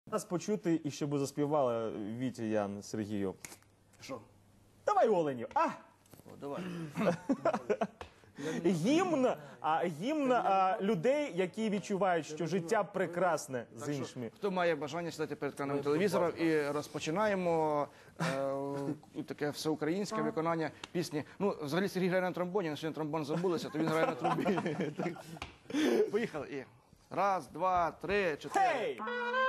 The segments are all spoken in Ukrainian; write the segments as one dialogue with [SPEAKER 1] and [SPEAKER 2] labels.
[SPEAKER 1] Нас почути і щоб заспівала Вітя, Ян, Сергію.
[SPEAKER 2] Що?
[SPEAKER 1] Давай оленів.
[SPEAKER 2] О, давай.
[SPEAKER 1] Гімн людей, які відчувають, що життя прекрасне з іншими.
[SPEAKER 2] Хто має бажання сідати перед екраном телевізора, і розпочинаємо таке всеукраїнське виконання пісні. Ну, взагалі Сергій грає на тромбоні, але сьогодні тромбон забулися, то він грає на трубі. Поїхали. І раз, два, три, чотири.
[SPEAKER 1] Гей!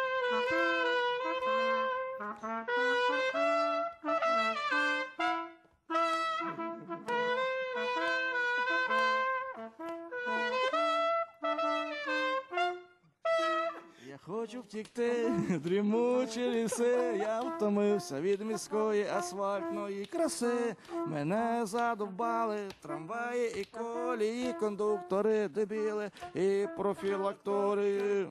[SPEAKER 2] Я хочу втікти, дрімучі ліси, я втомився від міської асфальтної краси. Мене задовбали трамваї і колії, кондуктори, дебіли і профілактори.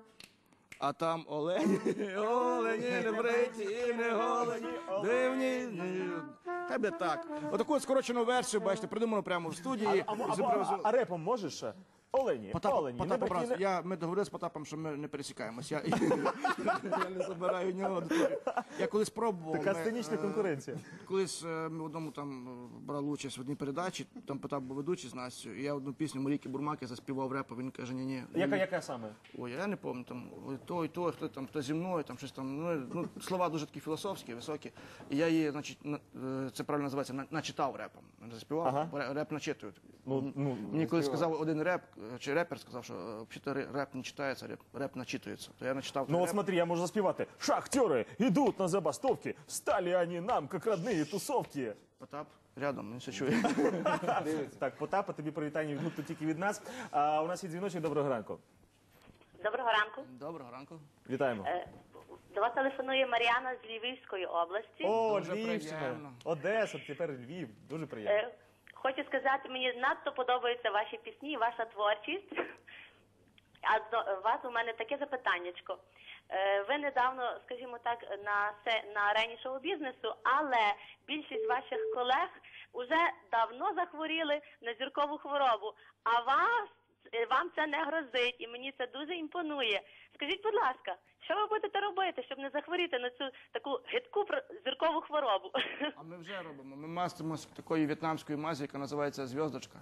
[SPEAKER 2] А там олені, олені, не бриті і не голені, дивні. Тебе так. Отаку скорочену версію, бачите, придумано прямо в студії.
[SPEAKER 1] А репом можеш? Олені, олені.
[SPEAKER 2] Ми договорилися з Потапом, що ми не пересікаємось. Я не забираю у нього аудиторію. Я колись пробував.
[SPEAKER 1] Така сценічна конкуренція.
[SPEAKER 2] Колись ми в одному там брали участь в одній передачі, там Потап був ведучий з Настю, і я одну пісню Марійки Бурмаки заспівав репу, він каже, ні-ні.
[SPEAKER 1] Яка саме?
[SPEAKER 2] Ой, я не пам'ятаю, там, той, хто зі мною, там щось там, ну, слова дуже такі філософські, високі. І я її, значить, це правильно називається, начитав репом. Не заспівав, реп начитують. Мені колись сказав один чи репер сказав, що взагалі реп не читається, реп начитується. То я начитав.
[SPEAKER 1] Ну от смотри, я можу заспівати. Шахтери йдуть на забастовки, стали вони нам, як родні тусовки.
[SPEAKER 2] Потап рядом, він все чує.
[SPEAKER 1] Так, Потапа, тобі привітання від гурту тільки від нас. У нас є дзвіночок, доброго ранку.
[SPEAKER 3] Доброго ранку.
[SPEAKER 2] Доброго ранку.
[SPEAKER 1] Вітаємо.
[SPEAKER 3] До вас телефонує Мар'яна з Львівської області.
[SPEAKER 1] О,
[SPEAKER 2] Дуже
[SPEAKER 1] Львівщина,
[SPEAKER 2] приємно.
[SPEAKER 1] Одеса, тепер Львів. Дуже приємно.
[SPEAKER 3] Хочу сказати, мені надто подобаються ваші пісні, ваша творчість. А до вас у мене таке запитаннячко. Ви недавно, скажімо так, на арені шоу-бізнесу, але більшість ваших колег уже давно захворіли на зіркову хворобу, а вам це не грозить, і мені це дуже імпонує. Скажіть, будь ласка, що ви будете робити, щоб не захворіти на цю таку гидку зіркову хворобу?
[SPEAKER 2] А ми вже робимо. Ми мастимось такої в'єтнамської мазі, яка називається «Зв'язочка».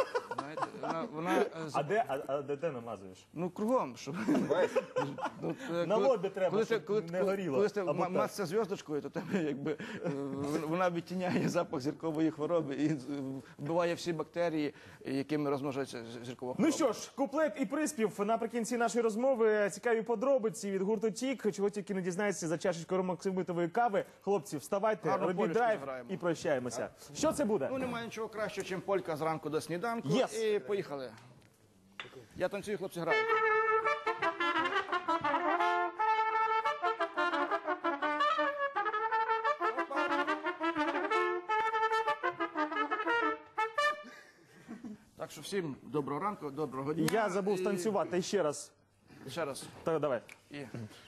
[SPEAKER 1] А де намазуєш?
[SPEAKER 2] Ну, кругом, щоб...
[SPEAKER 1] На лобі треба, щоб не горіло.
[SPEAKER 2] Коли ти мазся зв'язочкою, то тебе якби вона відтіняє запах зіркової хвороби і вбиває всі бактерії, якими розмножується зіркова хвороба.
[SPEAKER 1] Ну що ж, куплет і приспів наприкінці нашої розмови. Цікаві подробиці від гурту «Тік», чого тільки не дізнаєтеся за чашечкою ромоксимитової кави. Хлопці, вставайте, робіть драйв і прощаємося. Що це буде?
[SPEAKER 2] Ну, немає нічого кращого, ніж полька зранку до сніданку. І поїхали. Я танцюю, хлопці грають. Так що всім доброго ранку, доброго дня.
[SPEAKER 1] Я забув станцювати ще раз.
[SPEAKER 2] Ще раз.
[SPEAKER 1] Так, давай.
[SPEAKER 2] І...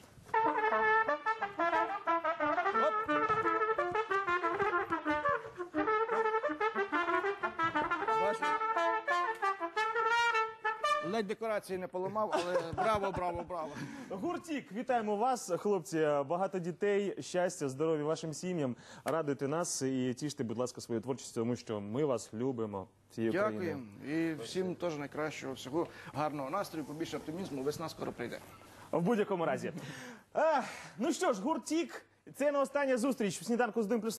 [SPEAKER 2] Ледь декорації не поламав, але браво, браво, браво.
[SPEAKER 1] Гурт «Тік», вітаємо вас, хлопці. Багато дітей, щастя, здоров'я вашим сім'ям. Радуйте нас і тіште, будь ласка, свою творчість, тому що ми вас любимо всією Україною.
[SPEAKER 2] Дякуємо. І всім теж найкращого, всього гарного настрою, побільше оптимізму. Весна скоро прийде.
[SPEAKER 1] В будь-якому разі. Ну що ж, гурт «Тік» – це не остання зустріч в «Сніданку з 1+1».